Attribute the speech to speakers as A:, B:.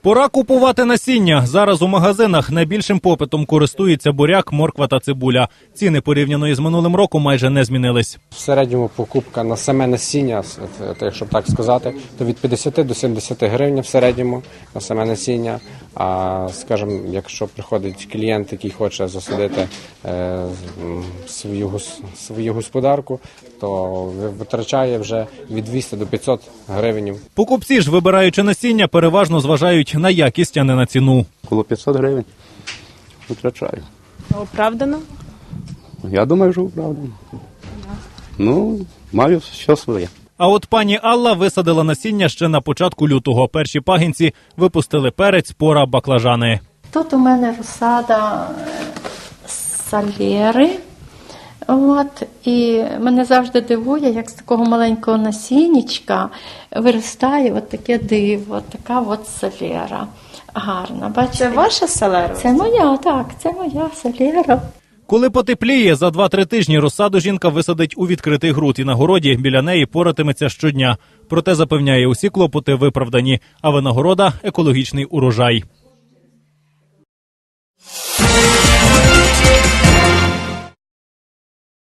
A: Пора купувати насіння. Зараз у магазинах найбільшим попитом користуються буряк, морква та цибуля. Ціни порівняно із минулим роком майже не змінились.
B: В середньому покупка на саме насіння, якщо так сказати, то від 50 до 70 гривень в середньому на саме насіння. А, скажімо, якщо приходить клієнт, який хоче засадити свою господарку, то витрачає вже від 200 до 500 гривень.
A: Покупці ж, вибираючи насіння, переважно зважають на якість, а не на ціну.
C: Коло 500 гривень витрачаю.
D: Оправдано?
C: Я думаю, що оправдано. Ну, маю все своє.
A: А от пані Алла висадила насіння ще на початку лютого. Перші пагінці випустили перець, пора, баклажани.
E: Тут у мене розсада салєри. І мене завжди дивує, як з такого маленького насіннячка виростає таке диво, така салєра гарна. Бачите?
D: Це ваша салера?
E: Це моя, так, це моя салєра.
A: Коли потепліє, за 2-3 тижні розсаду жінка висадить у відкритий ґрунт і на городі біля неї поратиметься щодня. Проте запевняє, усі клопоти виправдані, а винагорода – екологічний урожай.